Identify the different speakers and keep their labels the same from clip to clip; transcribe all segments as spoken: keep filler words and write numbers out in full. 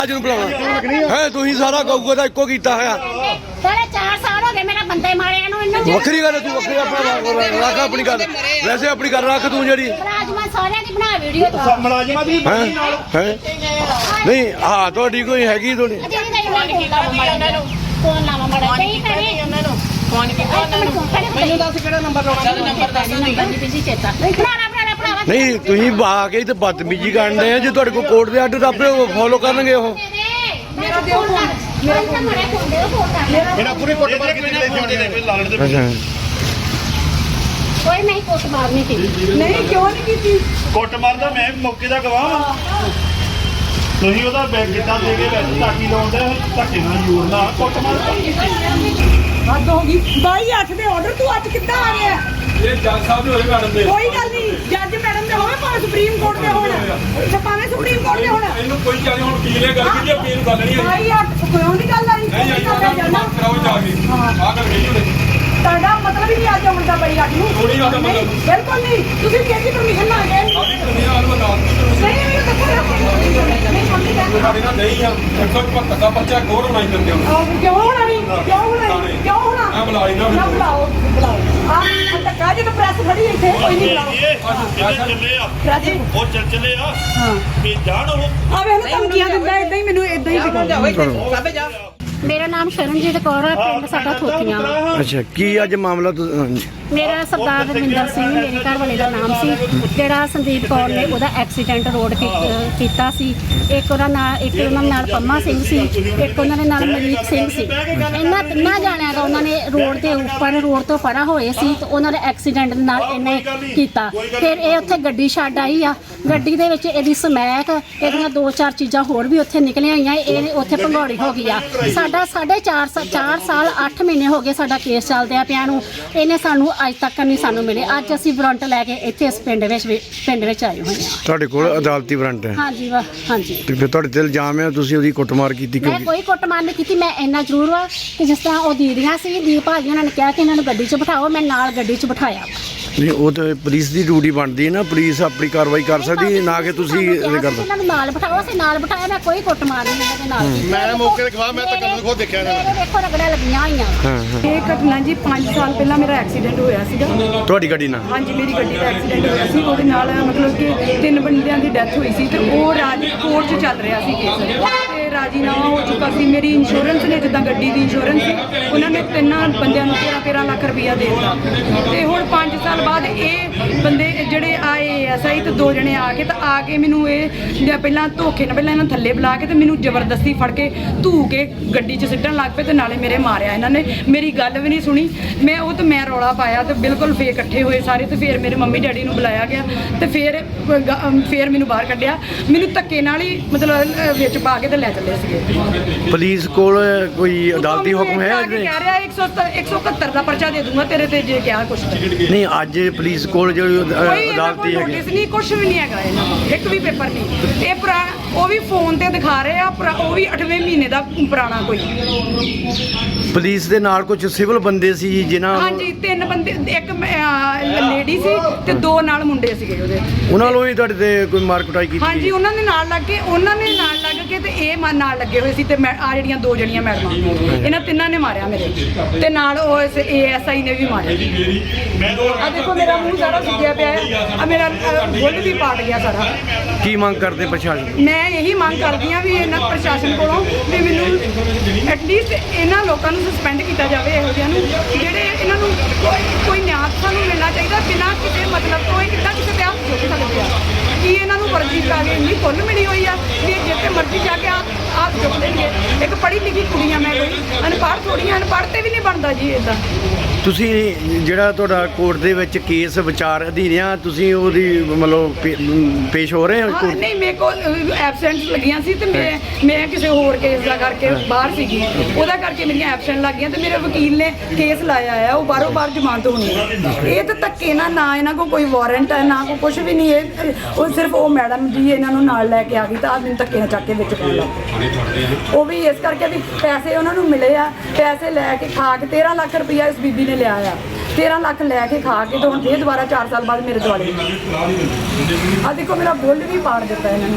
Speaker 1: ਅੱਜ ਨੂੰ ਬੁਲਾਉਣਾ ਹੈ ਤੁਸੀਂ ਸਾਰਾ ਗਊਗਾ ਦਾ ਇੱਕੋ ਕੀਤਾ ਹੋਇਆ
Speaker 2: ਸਾਰੇ ਚਾਰ ਸਾਲ ਹੋ ਗਏ ਮੇਰਾ ਬੰਦੇ ਮਾਰਿਆ ਨੂੰ ਇਹਨਾਂ ਨੂੰ
Speaker 1: ਵੱਖਰੀ ਗੱਲ ਤੂੰ ਵੱਖਰੀ ਆਪਣਾ ਰੱਖ ਆਪਣੀ ਗੱਲ ਵੈਸੇ ਆਪਣੀ ਗੱਲ ਰੱਖ ਤੂੰ ਜਿਹੜੀ
Speaker 2: ਮੁਲਾਜ਼ਮਾਂ ਸਾਰਿਆਂ ਦੀ ਬਣਾ ਵੀਡੀਓ ਤੋਂ
Speaker 3: ਮੁਲਾਜ਼ਮਾਂ ਦੀ
Speaker 1: ਹੈ ਹੈ ਨਹੀਂ ਹਾਂ ਤੁਹਾਡੀ ਕੋਈ ਹੈਗੀ ਤੁਹਾਡੀ
Speaker 2: ਫੋਨ ਲਾਵਾ ਮੜਾ ਨਹੀਂ ਕਰੇ ਉਹਨਾਂ ਨੂੰ ਫੋਨ ਕੀਤਾ ਉਹਨਾਂ ਨੂੰ ਮੈਨੂੰ ਦੱਸ ਕਿਹੜਾ ਨੰਬਰ ਲਾਉਣਾ ਨੰਬਰ ਦੱਸ ਨਹੀਂ ਬਿਜ਼ੀ ਚੇਤਾ ਬਣਾਣਾ ਬਣਾਣਾ ਭਰਾਵਾ
Speaker 1: ਨਹੀਂ ਤੁਸੀਂ ਬਾ ਕੇ ਤੇ ਬਦਤਮੀਜੀ ਕਰਦੇ ਆ ਜੇ ਤੁਹਾਡੇ ਕੋਲ ਕੋਰਟ ਦੇ ਆਰਡਰ ਆਪੇ ਫੋਲੋ ਕਰਨਗੇ ਉਹ
Speaker 2: ਮੇਰਾ ਦਿਓ ਫੋਨ ਮੇਰਾ ਫੋਨ ਮੜੇ ਫੋਨ ਦਿਓ ਫੋਨ ਕਰ
Speaker 3: ਮੇਰਾ ਪੂਰੀ ਕੁੱਟ ਮਾਰ ਕੇ ਲੈ ਕੇ ਆਉਣੇ ਲਾਲਣ ਦੇ
Speaker 1: ਅੱਛਾ
Speaker 2: ਕੋਈ ਨਹੀਂ ਕੁੱਟ ਮਾਰਨੀ ਸੀ
Speaker 4: ਨਹੀਂ ਕਿਉਂ ਨਹੀਂ ਕੀਤੀ
Speaker 3: ਕੁੱਟ ਮਾਰਦਾ ਮੈਂ ਮੌਕੇ ਦਾ ਗਵਾਹ ਤੁਸੀਂ ਉਹਦਾ ਬੈਗ ਕਿੱਦਾਂ ਦੇ ਕੇ ਵਿੱਚ ਟਾਕੀ ਲਾਉਂਦੇ ਧੱਕੇ ਨਾਲ ਜੋੜਨਾ ਕੁੱਟ ਮਾਰਦਾ
Speaker 4: ਹੱਦ ਹੋ ਗਈ ਬਾਈ ਅੱਠ ਦੇ ਆਰਡਰ ਤੂੰ ਅੱਜ ਕਿੱਦਾਂ ਆ ਗਿਆ
Speaker 5: ਇਹ ਜੱਜ ਸਾਹਿਬ ਦੇ ਹੋਏ ਮੈਡਮ ਦੇ
Speaker 4: ਕੋਈ ਗੱਲ ਨਹੀਂ ਜੱਜ ਮੈਡਮ ਦੇ ਹੋਵੇ ਭਾਵੇਂ ਸੁਪਰੀਮ ਕੋਰਟ ਦੇ ਹੋਣ ਤੇ ਭਾਵੇਂ ਸੁਪਰੀਮ ਕੋਰਟ ਦੇ ਹੋਣ
Speaker 5: ਇਹਨੂੰ ਕੋਈ ਚਾਹੇ ਹੁਣ ਕੀ ਨੇ ਗੱਲ ਕੀਤੀ ਆਪਣੀ ਨੂੰ ਗੱਲ ਨਹੀਂ ਹੈ
Speaker 4: ਬਾਈ ਅੱਠ ਕੋਈ ਨਹੀਂ ਗੱਲ ਆਈ
Speaker 5: ਨਹੀਂ ਆਈ ਮਾਫ ਕਰਾਓ ਜਾ ਕੇ ਆ ਕਰ ਗਈ ਉਹਨੇ
Speaker 4: ਤੁਹਾਡਾ ਮਤਲਬ ਹੀ ਨਹੀਂ ਅੱਜ ਆਉਣ ਦਾ ਬਾਈ ਅੱਠ ਨੂੰ
Speaker 5: ਥੋੜੀ ਗੱਲ ਮਤਲਬ
Speaker 4: ਬਿਲਕੁਲ ਨਹੀਂ ਤੁਸੀਂ ਕਿਹਦੀ ਪਰਮਿਸ਼ਨ ਨਾ ਗਏ
Speaker 5: ਸਾਡੀ ਦੁਨੀਆ ਵਾਲ ਬਤਾ
Speaker 4: ਨਹੀਂ ਮੈਨੂੰ ਦੱਸੋ ਨਹੀਂ ਮੰਮੀ ਕਹਿੰਦੀ
Speaker 5: ਸਾਡੇ ਨਾਲ ਨਹੀਂ ਆ ਇੱਕ ਸੌ ਪਚੱਤਰ ਦਾ ਬੱਚਾ ਗੌਰ ਹੋਣਾ ਹੀ ਦਿੰਦੇ ਹੁਣ
Speaker 4: ਆਹ ਕਿਉਂ ਹੋਣਾ ਨਹੀਂ ਕਿਉਂ ਹੋਣਾ ਨਹੀਂ ਕਿਉਂ ਹੋਣਾ
Speaker 5: ਆ ਬੁਲਾਈ ਨਾ
Speaker 4: ਨਾ ਬੁਲਾਓ ਬੁਲਾਓ ਆਹ ਧੱਕਾ ਜੇ ਤਾਂ ਪ੍ਰੈਸ ਖੜੀ ਇੱਥੇ ਕੋਈ ਨਹੀਂ ਬੁਲਾਓ
Speaker 3: ਇਹ ਚੱਲੇ ਆ
Speaker 4: ਰਾਜੀ
Speaker 3: ਉਹ ਚੱਲ ਚੱਲੇ ਆ
Speaker 4: ਹਾਂ
Speaker 3: ਵੀ ਜਾਣ ਉਹ
Speaker 4: ਆ ਵੇਖ ਧਮਕੀਆਂ ਦਿੰਦਾ ਇਦਾਂ ਹੀ ਮੈਨੂੰ ਇਦਾਂ ਹੀ ਦਿਖਾਉਂਦਾ
Speaker 2: ਮੇਰਾ ਨਾਮ ਸ਼ਰਨਜੀਤ ਕੌਰ ਹੈ ਪਿੰਡ ਸਾਡਾ ਥੋਤੀਆਂ
Speaker 1: ਅੱਛਾ ਕੀ ਅੱਜ ਮਾਮਲਾ ਤੁਸੀਂ
Speaker 2: ਮੇਰਾ ਸਰਦਾਰ ਰਵਿੰਦਰ ਸਿੰਘ ਮੇਰੇ ਘਰ ਵਾਲੇ ਦਾ ਨਾਮ ਸੀ ਜਿਹੜਾ ਸੰਦੀਪ ਕੌਰ ਨੇ ਉਹਦਾ ਐਕਸੀਡੈਂਟ ਰੋਡ ਕੀਤਾ ਸੀ ਇੱਕ ਉਹਨਾਂ ਨਾਲ ਇੱਕ ਉਹਨਾਂ ਨਾਲ ਪੰਮਾ ਸਿੰਘ ਸੀ ਇੱਕ ਉਹਨਾਂ ਦੇ ਨਾਲ ਮਲੀਕ ਸਿੰਘ ਸੀ ਇਹਨਾਂ ਤਿੰਨਾਂ ਜਾਣਿਆਂ ਦਾ ਉਹਨਾਂ ਨੇ ਰੋਡ ਦੇ ਉੱਪਰ ਰੋਡ ਤੋਂ ਪਰਾਂ ਹੋਏ ਸੀ ਤੇ ਉਹਨਾਂ ਦੇ ਐਕਸੀਡੈਂਟ ਨਾਲ ਇਹਨੇ ਕੀਤਾ ਫਿਰ ਇਹ ਉੱਥੇ ਗੱਡੀ ਛੱਡ ਆਈ ਆ ਗੱਡੀ ਦੇ ਵਿੱਚ ਇਹਦੀ ਸਮੈਕ ਇਹਦੀਆਂ ਦੋ ਚਾਰ ਚੀਜ਼ਾਂ ਹੋਰ ਵੀ ਉੱਥੇ ਨਿਕਲੀਆਂ ਆਈਆਂ ਇਹ ਉੱਥੇ ਭੰਗੌੜੀ ਹੋ ਗਈ ਆ ਸਾਡਾ ਸਾਢੇ ਚਾਰ ਚਾਰ ਸਾਲ ਅੱਠ ਮਹੀਨੇ ਹੋ ਗਏ ਸਾਡਾ ਕੇਸ ਚੱਲਦਿਆਂ ਪਿਆ ਨੂੰ ਇਹਨੇ ਸਾਨੂੰ ਅੱਜ ਤੱਕ ਨਹੀਂ ਸਾਨੂੰ ਮਿਲੇ ਅੱਜ ਅਸੀਂ ਵਾਰੰਟ ਲੈ ਕੇ ਇੱਥੇ ਇਸ ਪਿੰਡ ਵਿੱਚ ਪਿੰਡ ਵਿੱਚ ਆਏ ਹੋਏ ਹਾਂ
Speaker 1: ਤੁਹਾਡੇ ਕੋਲ ਅਦਾਲਤੀ ਵਾਰੰਟ ਹੈ
Speaker 2: ਹਾਂਜੀ ਵਾ ਹਾਂਜੀ
Speaker 1: ਤੇ ਫਿਰ ਤੁਹਾਡੇ ਤੇ ਇਲਜ਼ਾਮ ਹੈ ਤੁਸੀਂ ਉਹਦੀ ਕੁੱਟਮਾਰ ਕੀਤੀ
Speaker 2: ਮੈਂ
Speaker 1: ਕਿਉਂਕਿ
Speaker 2: ਕੋਈ ਕੁੱਟਮਾਰ ਨਹੀਂ ਕੀਤੀ ਮੈਂ ਇੰਨਾ ਜ਼ਰੂਰ ਵਾ ਕਿ ਜਿਸ ਤਰ੍ਹਾਂ ਉਹ ਦੀਦੀਆਂ ਸੀ ਦੀਪ ਭਾਜੀ ਉਹਨਾਂ ਨੇ ਕਿਹਾ ਕਿ ਇਹਨਾਂ ਨੂੰ ਗੱਡੀ 'ਚ ਬਿਠਾਓ ਮੈਂ ਨਾਲ ਗੱਡੀ 'ਚ ਬਿਠਾਇਆ
Speaker 1: ਨਹੀਂ ਉਹ ਤਾਂ ਪੁਲਿਸ ਦੀ ਡਿਊਟੀ ਬਣਦੀ ਹੈ ਨਾ ਪੁਲਿਸ ਆਪਣੀ ਕਾਰਵਾਈ ਕਰ ਸਕਦੀ ਹੈ ਨਾ ਕਿ ਤੁਸੀਂ ਇਹ
Speaker 2: ਸਾਨੂੰ ਕਿਹਾ
Speaker 1: ਕਰ
Speaker 2: ਸੀ ਇਹਨਾਂ ਨੂੰ ਨਾਲ ਬਿਠਾਓ ਅਸੀਂ ਨਾਲ ਬਿਠਾਇਆ ਮੈਂ ਕੋਈ ਕੁੱਟਮਾਰ ਨਹੀਂ ਇਹਨਾਂ ਦੇ ਨਾਲ ਕੀਤੀ।
Speaker 3: ਮੈਂ ਮੌਕੇ ਤੇ ਖਵਾ ਮੈਂ ਤਾਂ ਕਦੋਂ ਖੁਦ ਦੇਖਿਆ ਇਹਨਾਂ
Speaker 2: ਮੇਰੇ ਦੇਖੋ ਰਗੜਾਂ ਲੱਗੀਆਂ ਹੋਈਆਂ
Speaker 1: ਹਾਂ ਹਾਂ
Speaker 4: ਇਹ ਘਟਨਾ ਜੀ ਪੰਜ ਸਾਲ ਪਹਿਲਾਂ ਮੇਰਾ ਐਕਸੀਡੈਂਟ ਹੋਇਆ ਸੀਗਾ
Speaker 1: ਤੁਹਾਡੀ ਗੱਡੀ ਨਾਲ
Speaker 4: ਹਾਂਜੀ ਮੇਰੀ ਗੱਡੀ ਦਾ ਐਕਸੀਡੈਂਟ ਹੋਇਆ ਸੀ ਉਹਦੇ ਨਾਲ ਮਤਲਬ ਕਿ ਤਿੰਨ ਬੰਦਿਆਂ ਦੀ ਡੈਥ ਹੋਈ ਸੀ ਤੇ ਉਹ ਰਾਜ ਕੋਰਟ 'ਚ ਚੱਲ ਰਿਹਾ ਸੀ ਕੇਸ ਤੇ ਰਾਜੀਨਾਮਾ ਹੋ ਚੁੱਕਾ ਸੀ ਮੇਰੀ ਇੰਸ਼ੋਰੈਂਸ ਨੇ ਜਿੱਦਾਂ ਗੱਡੀ ਦੀ ਇੰਸ਼ੋਰੈਂਸ ਸੀ ਉਹਨਾਂ ਨੇ ਤਿੰਨਾਂ ਬੰਦਿਆਂ ਨੂੰ ਤੇਰਾਂ ਤੇਰਾਂ ਲੱਖ ਰੁਪਈਆ ਦੇ ਦਿੱਤਾ ਤੇ ਹੁਣ ਪੰਜ ਸਾਲ ਬਾਅਦ ਇਹ ਬੰਦੇ ਜਿਹੜੇ ਆਏ ਐਸ ਆਈ ਤੇ ਦੋ ਜਣੇ ਆ ਕੇ ਤਾਂ ਆ ਕੇ ਮੈਨੂੰ ਇਹ ਜਾਂ ਪਹਿਲਾਂ ਧੋਖੇ ਨਾਲ ਪਹਿਲਾਂ ਇਹਨਾਂ ਥੱਲੇ ਬੁਲਾ ਕੇ ਤੇ ਮੈਨੂੰ ਜ਼ਬਰਦਸਤੀ ਫੜ ਕੇ ਧੂ ਕੇ ਗੱਡੀ 'ਚ ਸਿੱਟਣ ਲੱਗ ਪਏ ਤੇ ਨਾਲੇ ਮੇਰੇ ਮਾਰਿਆ ਇਹਨਾਂ ਨੇ ਮੇਰੀ ਗੱਲ ਵੀ ਨਹੀਂ ਸੁਣੀ ਮੈਂ ਉਹ ਤੇ ਮੈਂ ਰੌਲਾ ਪਾਇਆ ਤੇ ਬਿਲਕੁਲ ਫੇਰ ਇਕੱਠੇ ਹੋਏ ਸਾਰੇ ਤੇ ਫਿਰ ਮੇਰੇ ਮੰਮੀ ਡੈਡੀ ਨੂੰ ਬੁਲਾਇਆ ਗਿਆ ਤੇ ਫਿਰ ਫਿਰ ਮੈਨੂੰ ਬਾਹਰ ਕੱਢਿਆ ਮੈਨੂੰ ਧੱਕੇ ਨਾਲ ਹੀ ਮਤਲਬ ਵਿੱਚ ਪਾ ਕੇ ਤੇ ਲੈ ਚੱਲੇ ਸੀਗੇ
Speaker 1: ਪੁਲਿਸ ਕੋਲ ਕੋਈ ਅਦਾਲਤੀ ਹੁਕਮ ਹੈ
Speaker 4: ਕਹਿ ਰਿਹਾ ਇੱਕ ਸੌ ਇਕਹੱਤਰ ਦਾ ਪਰਚਾ ਦੇ ਦੂੰਗਾ ਤੇਰੇ ਤੇ ਜੇ ਕਿਹਾ ਕੁਛ
Speaker 1: ਨਹੀਂ ਅੱਜ ਪੁਲਿਸ ਕੋਲ ਜਿਹੜੀ
Speaker 4: ਕੋਈ
Speaker 1: ਅਦਾਲਤੀ ਹੈਗੀ
Speaker 4: ਨੋਟਿਸ ਨਹੀਂ ਕੁਛ ਵੀ ਨਹੀਂ ਹੈਗਾ ਇਹਨਾਂ ਕੋਲ ਇੱਕ ਵੀ ਪੇਪਰ ਨਹੀਂ ਇਹ ਪੁਰਾ ਉਹ ਵੀ ਫੋਨ ਤੇ ਦਿਖਾ ਰਹੇ ਆ ਪੁਰਾ- ਉਹ ਵੀ ਅੱਠਵੇਂ ਮਹੀਨੇ ਦਾ ਪੁਰਾਣਾ ਕੋਈ
Speaker 1: ਪੁਲਿਸ ਦੇ ਨਾਲ ਕੁਝ ਸਿਵਲ ਬੰਦੇ ਸੀ ਜਿਨ੍ਹਾਂ
Speaker 4: ਹਾਂਜੀ ਤਿੰਨ ਬੰਦੇ ਇੱਕ ਲੇਡੀ ਸੀ ਤੇ ਦੋ ਨਾਲ ਮੁੰਡੇ ਸੀਗੇ ਉਹਦੇ
Speaker 1: ਉਹਨਾਂ ਨੂੰ ਵੀ ਤੁਹਾਡੇ ਤੇ ਕੋਈ ਮਾਰ ਕੁਟਾਈ ਕੀਤੀ
Speaker 4: ਹਾਂਜੀ ਉਹਨਾਂ ਦੇ ਨਾਲ ਲੱਗ ਕੇ ਉਹਨਾਂ ਨੇ ਨਾਲ ਲੱਗ ਕੇ ਤੇ ਇਹ ਮਾ- ਨਾਲ ਲੱਗੇ ਹੋਏ ਸੀ ਤੇ ਆ ਜਿਹੜੀਆਂ ਦੋ ਜਣੀਆਂ ਮੈਡਮਾਂ ਇਹਨਾਂ ਤਿੰਨਾਂ ਨੇ ਮਾਰਿਆ ਮੇਰੇ ਤੇ ਨਾਲ ਉਹ ਏ ਐਸ ਆਈ ਨੇ ਵੀ ਮਾਰਿਆ ਆ ਦੇਖੋ ਮੇਰਾ ਮੂੰਹ ਸਾਰਾ ਸੁੱਜਿਆ ਪਿਆ ਹੈ ਆ ਮੇਰਾ ਬੁੱਲ ਵੀ ਪਾਟ ਗਿਆ ਸਾਰਾ
Speaker 1: ਕੀ ਮੰਗ ਕਰਦੇ ਪ੍ਰਸ਼ਾਸਨ
Speaker 4: ਮੈਂ ਇਹੀ ਮੰਗ ਕਰਦੀ ਹਾਂ ਵੀ ਇਹਨਾਂ ਪ੍ਰਸ਼ਾਸਨ ਕੋਲੋਂ ਵੀ ਮੈਨੂੰ ਐਟਲੀਸਟ ਇਹਨਾਂ ਲੋਕਾਂ ਨੂੰ ਸਸਪੈਂਡ ਕੀਤਾ ਜਾਵੇ ਇਹੋ ਜਿਹਿਆਂ ਨੂੰ ਜਿਹੜੇ ਇਹਨਾਂ ਨੂੰ ਕੋਈ ਕੋਈ ਨਿਆਂ ਸਾਨੂੰ ਮਿਲਣਾ ਚਾਹੀਦਾ ਬਿਨਾਂ ਕਿਸੇ ਮਤਲਬ ਤੋਂ ਇਹ ਕਿੱਦਾਂ ਕਿਸੇ ਤੇ ਹੱਥ ਚੁੱਕ ਸਕਦੇ ਆ ਕੀ ਇਹਨਾਂ ਨੂੰ ਵਰਜੀ ਪਾ ਕੇ ਇੰਨੀ ਖੁੱਲ੍ਹ ਮਿਲੀ ਹੋਈ ਆ ਵੀ ਜਿੱਥੇ ਮਰਜ਼ੀ ਜਾ ਕੇ ਹੱਥ ਚੁੱਕ ਦੇਣਗੇ ਇੱਕ ਪੜ੍ਹੀ ਲਿਖੀ ਕੁੜੀਆਂ ਮੈਂ ਕੋਈ ਅਨਪੜ੍ਹ ਥੋੜ੍ਹੀਆਂ ਅਨਪੜ੍ਹ ਤੇ ਵੀ ਨਹੀਂ ਬਣਦਾ ਜੀ ਇੱਦਾਂ
Speaker 1: ਤੁਸੀਂ ਜਿਹੜਾ ਤੁਹਾਡਾ ਕੋਰਟ ਦੇ ਵਿੱਚ ਕੇਸ ਵਿਚਾਰ ਅਧੀਨ ਆ ਤੁਸੀਂ ਉਹਦੀ ਮਤਲਬ ਪੇ- ਪੇਸ਼ ਹੋ ਰਹੇ ਹੋ
Speaker 4: ਹਾਂ
Speaker 1: ਕੋਰਟ
Speaker 4: ਨਹੀਂ ਮੇਰੇ ਕੋਲ ਐਬਸੈਂਟ ਲੱਗੀਆਂ ਸੀ ਤੇ ਮੈਂ ਮੈਂ ਕਿਸੇ ਹੋਰ ਕੇਸ ਦਾ ਕਰਕੇ ਬਾਹਰ ਸੀਗੀ ਉਹਦਾ ਕਰਕੇ ਮੇਰੀਆਂ ਐਬਸੈਂਟ ਲੱਗ ਗਈਆਂ ਤੇ ਮੇਰੇ ਵਕੀਲ ਨੇ ਕੇਸ ਲਾਇਆ ਆ ਉਹ ਬਾਹਰੋਂ ਬਾਹਰ ਜ਼ਮਾਨਤ ਹੋਣੀ ਹੈ ਇਹ ਤਾਂ ਧੱਕੇ ਨਾਲ ਨਾ ਇਹਨਾਂ ਕੋਲ ਕੋਈ ਵਾਰੰਟ ਹੈ ਨਾ ਕੋਈ ਕੁਝ ਵੀ ਨਹੀਂ ਇਹ ਉਹ ਸਿਰਫ ਉਹ ਮੈਡਮ ਜੀ ਇਹਨਾਂ ਨੂੰ ਨਾਲ ਲੈ ਕੇ ਆ ਗਈ ਤਾਂ ਆਹ ਮੈਨੂੰ ਧੱਕੇ ਨਾਲ ਚੱਕ ਕੇ ਵਿੱਚ ਪਾ ਲਾ ਉਹ ਵੀ ਇਸ ਕਰਕੇ ਵੀ ਪੈਸੇ ਉਹਨਾਂ ਨੂੰ ਮਿਲੇ ਆ ਪੈਸੇ ਲੈ ਕੇ ਖਾ ਕੇ ਤੇਰਾਂ ਲੱਖ ਰੁਪਈਆ ਇਸ ਬੀਬੀ ਨੇ ਲਿਆ ਆ ਤੇਰਾਂ ਲੱਖ ਲੈ ਕੇ ਖਾ ਕੇ ਤੇ ਹੁਣ ਫੇਰ ਦੁਬਾਰਾ ਚਾਰ ਸਾਲ ਬਾਅਦ ਮੇਰੇ ਦੁਆਲੇ ਆ ਦੇਖੋ ਮੇਰਾ ਬੁੱਲ ਵੀ ਪਾੜ ਦਿੱਤਾ ਇਹਨਾਂ ਨੇ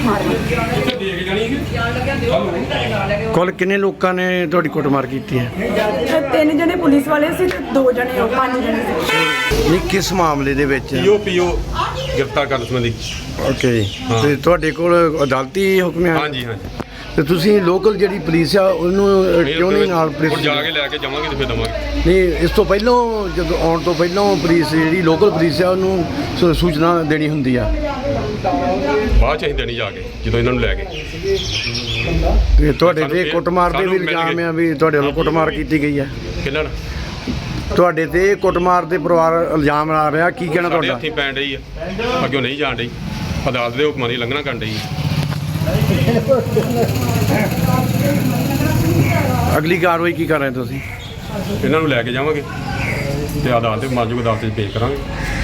Speaker 4: ਮਾਰਿਆ।
Speaker 5: ਉੱਥੇ ਦੇਖ ਜਾਣੀ ਕਿ
Speaker 1: ਕੁੱਲ ਕਿੰਨੇ ਲੋਕਾਂ ਨੇ ਤੁਹਾਡੀ ਕੁੱਟਮਾਰ ਕੀਤੀ ਹੈ?
Speaker 4: ਤੇ ਤਿੰਨ ਜਣੇ ਪੁਲਿਸ ਵਾਲੇ ਸੀ ਤੇ ਦੋ ਜਣੇ ਉਹ ਪੰਜ ਜਣੇ ਸੀ।
Speaker 1: ਨਹੀਂ, ਕਿਸ ਮਾਮਲੇ ਦੇ ਵਿੱਚ?
Speaker 5: ਪੀਓ ਪੀਓ ਗ੍ਰਿਫਤਾਰ ਕਰਨ ਸੰਬੰਧੀ।
Speaker 1: ਓਕੇ,
Speaker 5: ਹਾਂ।
Speaker 1: ਤੇ ਤੁਹਾਡੇ ਕੋਲ ਅਦਾਲਤੀ ਹੁਕਮ ਹੈ?
Speaker 5: ਹਾਂਜੀ ਹਾਂਜੀ।
Speaker 1: ਤੇ ਤੁਸੀਂ ਲੋਕਲ ਜਿਹੜੀ ਪੁਲਿਸ ਆ ਉਹਨੂੰ ਅ, ਕਿਉਂ ਨਹੀਂ ਨਾਲ ਪੁਲਿਸ?
Speaker 5: ਹੁਣ ਜਾ ਕੇ ਲੈ ਕੇ ਜਾਵਾਂਗੇ ਤੇ ਫਿਰ ਦਵਾਂਗੇ।
Speaker 1: ਨਹੀਂ, ਇਸ ਤੋਂ ਪਹਿਲਾਂ ਜਦੋਂ ਆਉਣ ਤੋਂ ਪਹਿਲਾਂ ਪੁਲਿਸ ਜਿਹੜੀ ਲੋਕਲ ਪੁਲਿਸ ਆ ਉਹਨੂੰ ਸੂ- ਸੂਚਨਾ ਦੇਣੀ ਹੁੰਦੀ ਆ।
Speaker 5: ਬਾਅਦ ਚ ਅਸੀਂ ਦੇਣੀ ਜਾ ਕੇ ਜਦੋਂ ਇਹਨਾਂ ਨੂੰ ਲੈ ਕੇ।
Speaker 1: ਤੇ ਤੁਹਾਡੇ
Speaker 5: ਸਾਨੂੰ
Speaker 1: ਤੇ
Speaker 5: ਫਿਰ-
Speaker 1: ਕੁੱਟਮਾਰ ਦੇ ਵੀ
Speaker 5: ਸਾਨੂੰ ਮਿਲ
Speaker 1: ਇਲਜ਼ਾਮ
Speaker 5: ਗਏ।
Speaker 1: ਆ ਵੀ ਤੁਹਾਡੇ ਵੱਲੋਂ ਕੁੱਟਮਾਰ ਕੀਤੀ ਗਈ ਆ।
Speaker 5: ਕਿੰਨਾਂ
Speaker 1: ਤੁਹਾਡੇ ਤੇ ਕੁੱਟਮਾਰ ਦੇ ਪਰਿਵਾਰ ਇਲਜ਼ਾਮ ਲਾ ਰਿਹਾ, ਕੀ ਕਹਿਣਾ
Speaker 5: ਸਾਡੇ
Speaker 1: ਤੁਹਾਡਾ?
Speaker 5: ਹੱਥੀਂ ਪੈਣ ਡਈ ਆ, ਅੱਗੇ ਨਹੀਂ ਜਾਣ ਡਈ, ਅਦਾਲਤ ਦੇ ਹੁਕਮਾਂ ਦੀ ਲੰਘਣਾ ਕਰਨ ਡਈ।
Speaker 1: ਅਗਲੀ ਕਾਰਵਾਈ ਕੀ ਕਰ ਰਹੇ ਤੁਸੀਂ?
Speaker 5: ਇਹਨਾਂ ਨੂੰ ਲੈ ਕੇ ਜਾਵਾਂਗੇ ਤੇ ਅਦਾਲਤ ਦੇ ਮਾਜੂਗ ਅਦਾਲਤ 'ਚ ਪੇਸ਼ ਕਰਾਂਗੇ।